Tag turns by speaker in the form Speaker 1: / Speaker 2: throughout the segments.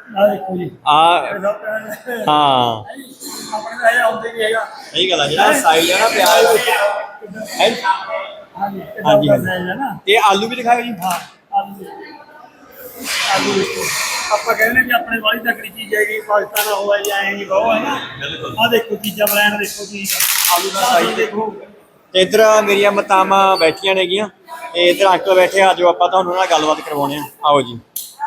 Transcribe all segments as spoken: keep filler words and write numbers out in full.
Speaker 1: ਦੇਖੋ ਜੀ
Speaker 2: ਆ ਹਾਂ
Speaker 1: ਆਪਣੇ ਤਾਂ ਇਹ ਆਉਂਦੇ ਨਹੀਂ ਹੈਗਾ।
Speaker 2: ਸਹੀ ਗੱਲ ਆ, ਜਿਹੜਾ ਸਾਈਜ਼ ਆ ਨਾ ਪਿਆਜ਼ ਹੈ।
Speaker 1: ਹਾਂਜੀ
Speaker 2: ਹਾਂਜੀ
Speaker 1: ਹਾਂਜੀ ਹੈ ਨਾ।
Speaker 2: ਤੇ ਆਲੂ ਵੀ ਦਿਖਾਓ ਜੀ।
Speaker 1: ਹਾਂ ਆਲੂ ਆਲੂ ਦੇਖੋ, ਆਪਾਂ ਕਹਿੰਦੇ ਵੀ ਆਪਣੇ ਵਾਲੀ ਤਕੜੀ ਚੀਜ਼ ਹੈਗੀ, ਪਾਕਿਸਤਾਨ ਹੋਇਆ ਜਾਂ ਐਂ ਨਹੀਂ ਬਹੁਤ ਹੈ ਨਾ। ਆਹ ਦੇਖੋ ਚੀਜ਼ਾਂ ਬਲੈਂਡ ਦੇਖੋ ਜੀ,
Speaker 2: ਆਲੂ ਦਾ ਸਾਈਜ਼
Speaker 1: ਦੇਖੋ।
Speaker 2: ਤੇ ਇੱਧਰ ਮੇਰੀਆਂ ਮਾਤਾਵਾਂ ਬੈਠੀਆਂ ਨੇਗੀਆਂ ਤੇ ਇੱਧਰ ਅੰਕਲ ਬੈਠੇ ਆ, ਜੋ ਆਪਾਂ ਤੁਹਾਨੂੰ ਨਾਲ ਗੱਲਬਾਤ ਕਰਵਾਉਣੇ ਆ। ਆਓ ਜੀ।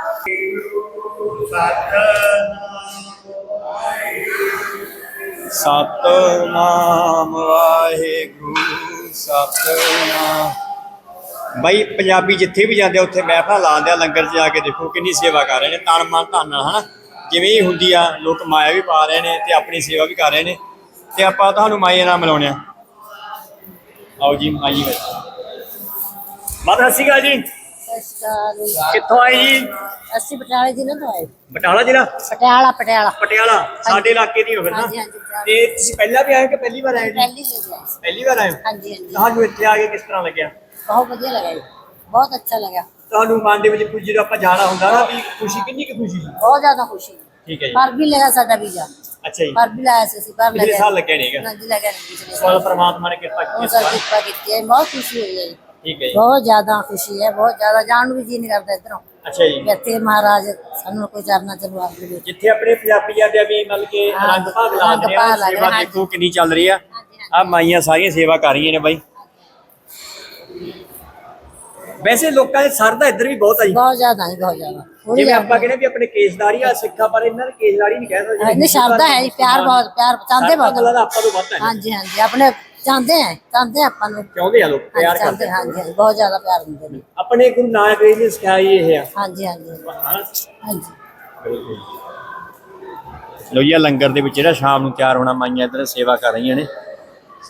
Speaker 2: ਸਤਨਾਮ ਵਾਹਿਗੁਰੂ ਸਤਨਾਮ। ਬਾਈ ਪੰਜਾਬੀ ਜਿੱਥੇ ਵੀ ਜਾਂਦੇ ਉੱਥੇ ਮਹਿਫਲਾਂ ਲਾਉਂਦੇ ਆ, ਲੰਗਰ 'ਚ ਜਾ ਕੇ ਦੇਖੋ ਕਿੰਨੀ ਸੇਵਾ ਕਰ ਰਹੇ ਨੇ, ਤਨ ਮਨ ਧਨ ਨਾਲ ਹੈ ਨਾ। ਜਿਵੇਂ ਹੀ ਹੁੰਦੀ ਆ, ਲੋਕ ਮਾਇਆ ਵੀ ਪਾ ਰਹੇ ਨੇ ਤੇ ਆਪਣੀ ਸੇਵਾ ਵੀ ਕਰ ਰਹੇ ਨੇ। ਤੇ ਆਪਾਂ ਤੁਹਾਨੂੰ ਮਾਈਏ ਨਾਲ ਮਿਲਾਉਂਦੇ ਆ। ਆਓ ਜੀ ਮਾਈ ਵਿੱਚ। ਮਾਤਾ ਸਤਿ ਸ਼੍ਰੀ ਅਕਾਲ ਜੀ।
Speaker 3: ਸਤਿ ਸ਼੍ਰੀ ਅਕਾਲ।
Speaker 2: ਕਿੱਥੋਂ ਆਏ ਜੀ?
Speaker 3: ਅਸੀਂ ਪਟਿਆਲੇ ਜ਼ਿਲ੍ਹੇ ਤੋਂ ਆਏ।
Speaker 2: ਬਟਾਲਾ ਜ਼ਿਲ੍ਹਾ?
Speaker 3: ਪਟਿਆਲਾ ਪਟਿਆਲਾ
Speaker 2: ਪਟਿਆਲਾ ਸਾਡੇ ਇਲਾਕੇ ਦੀ ਹੋ ਫਿਰ ਨਾ।
Speaker 3: ਹਾਂਜੀ ਹਾਂਜੀ ਪਟਿਆਲਾ।
Speaker 2: ਤੇ ਤੁਸੀਂ ਪਹਿਲਾਂ ਵੀ ਆਏ ਹੋ ਕਿ ਪਹਿਲੀ ਵਾਰ ਆਏ ਜੀ?
Speaker 3: ਪਹਿਲੀ ਵਾਰ ਆਏ।
Speaker 2: ਪਹਿਲੀ ਵਾਰ ਆਏ ਹੋ?
Speaker 3: ਹਾਂਜੀ ਹਾਂਜੀ।
Speaker 2: ਤੁਹਾਨੂੰ ਇੱਥੇ ਆ ਕੇ ਕਿਸ ਤਰ੍ਹਾਂ ਲੱਗਿਆ?
Speaker 3: ਬਹੁਤ ਵਧੀਆ ਲੱਗਾ ਜੀ, ਬਹੁਤ ਅੱਛਾ ਲੱਗਾ।
Speaker 2: ਤੁਹਾਨੂੰ ਮਨ ਦੇ ਵਿੱਚ ਕੁਝ ਜਦੋਂ ਆਪਾਂ ਜਾਣਾ ਹੁੰਦਾ ਨਾ ਵੀ ਖੁਸ਼ੀ, ਕਿੰਨੀ ਕੁ ਖੁਸ਼ੀ?
Speaker 3: ਬਹੁਤ ਜ਼ਿਆਦਾ ਖੁਸ਼ੀ।
Speaker 2: ਠੀਕ ਹੈ ਜੀ।
Speaker 3: ਪਰ ਵੀ ਲੱਗਾ ਸਾਡਾ ਵੀਜ਼ਾ।
Speaker 2: ਅੱਛਾ ਜੀ।
Speaker 3: ਪਰ ਵੀ ਲਾਇਆ ਸੀ ਅਸੀਂ, ਪਰ
Speaker 2: ਪਿਛਲੇ
Speaker 3: ਲੱਗਿਆ
Speaker 2: ਸਾਲ ਲੱਗਿਆ ਨਹੀਂ ਹੈਗਾ?
Speaker 3: ਹਾਂਜੀ ਲੱਗਿਆ ਨਹੀਂ ਪਿਛਲੇ
Speaker 2: ਸਾਲ
Speaker 3: ਸਾਲ।
Speaker 2: ਪਰਮਾਤਮਾ ਨੇ ਕਿਰਪਾ
Speaker 3: ਉਹ
Speaker 2: ਕੀਤੀ
Speaker 3: ਸਰ
Speaker 2: ਹੈ।
Speaker 3: ਕਿਰਪਾ ਕੀਤੀ ਹੈ, ਬਹੁਤ ਖੁਸ਼ੀ ਹੋਈ ਹੈ ਜੀ।
Speaker 2: ਠੀਕ ਹੈ ਜੀ।
Speaker 3: ਬਹੁਤ ਜ਼ਿਆਦਾ ਖੁਸ਼ੀ ਹੈ, ਬਹੁਤ ਜ਼ਿਆਦਾ। ਜਾਣ ਨੂੰ ਵੀ ਜੀ ਨਹੀਂ ਕਰਦਾ ਇੱਧਰੋਂ।
Speaker 2: ਅੱਛਾ ਜੀ।
Speaker 3: ਇੱਥੇ ਮਹਾਰਾਜ ਸਾਨੂੰ ਕੋਈ ਚਰਨਾ ਚਲਵਾ ਦੇ।
Speaker 2: ਜਿੱਥੇ ਆਪਣੇ ਪੰਜਾਬੀ ਜਾਂਦੇ ਆ ਵੀ ਮਤਲਬ ਕਿ
Speaker 3: ਹਾਂ,
Speaker 2: ਰੰਗ ਭਾਗ ਲਾ
Speaker 3: ਰੰਗ
Speaker 2: ਰਹੇ
Speaker 3: ਭਾਗ
Speaker 2: ਆ,
Speaker 3: ਲਾ ਰਹੇ
Speaker 2: ਸੇਵਾ
Speaker 3: ਆ,
Speaker 2: ਦੇਖੋ ਕਿੰਨੀ ਚੱਲ ਰਹੀ ਆ।
Speaker 3: ਹਾਂਜੀ,
Speaker 2: ਆ ਮਾਈਆਂ ਸਾਰੀਆਂ ਸੇਵਾ ਕਰ ਰਹੀਆਂ ਨੇ ਬਾਈ। ਵੈਸੇ ਲੋਕਾਂ ਦੇ ਸਰਦਾ ਇੱਧਰ ਵੀ ਬਹੁਤ ਆ ਜੀ।
Speaker 3: ਬਹੁਤ ਜ਼ਿਆਦਾ ਜੀ, ਬਹੁਤ ਜ਼ਿਆਦਾ।
Speaker 2: ਜਿਵੇਂ ਆਪਾਂ ਕਹਿੰਦੇ ਵੀ ਆਪਣੇ ਕੇਸਦਾਰੀ ਆ ਸਿੱਖਾਂ, ਪਰ ਇਹਨਾਂ ਨੇ ਕੇਸਦਾਰੀ ਨਹੀਂ ਕਹਿ ਸਕਦੇ।
Speaker 3: ਨਹੀਂ ਸ਼ਰਧਾ ਹੈ ਜੀ, ਪਿਆਰ ਬਹੁਤ, ਪਿਆਰ ਚਾਹੁੰਦੇ ਬਹੁਤ।
Speaker 2: ਮਤਲਬ ਆਪਾਂ ਤੋਂ ਵੱਧ ਹੈ।
Speaker 3: ਹਾਂਜੀ ਹਾਂਜੀ, ਆਪਣੇ ਚਾਹੁੰਦੇ ਆ, ਚਾਹੁੰਦੇ ਆਪਾਂ ਨੂੰ।
Speaker 2: ਚਾਹੁੰਦੇ ਆ ਲੋਕ, ਪਿਆਰ
Speaker 3: ਚਾਹੁੰਦੇ,
Speaker 2: ਕਰਦੇ।
Speaker 3: ਹਾਂਜੀ ਹਾਂਜੀ, ਬਹੁਤ ਜ਼ਿਆਦਾ ਪਿਆਰ ਦਿੰਦੇ ਨੇ।
Speaker 2: ਆਪਣੇ ਗੁਰੂ ਨਾਨਕ ਦੇਵ ਜੀ ਨੇ ਸਿਖਾਇਆ ਇਹ ਆ।
Speaker 3: ਹਾਂਜੀ ਹਾਂਜੀ ਹਾਂਜੀ।
Speaker 2: ਲੋ ਜੀ ਲੰਗਰ ਦੇ ਵਿੱਚ ਜਿਹੜਾ ਸ਼ਾਮ ਨੂੰ ਤਿਆਰ ਹੋਣਾ, ਮਾਈਆਂ ਇੱਧਰ ਸੇਵਾ ਕਰ ਰਹੀਆਂ ਨੇ।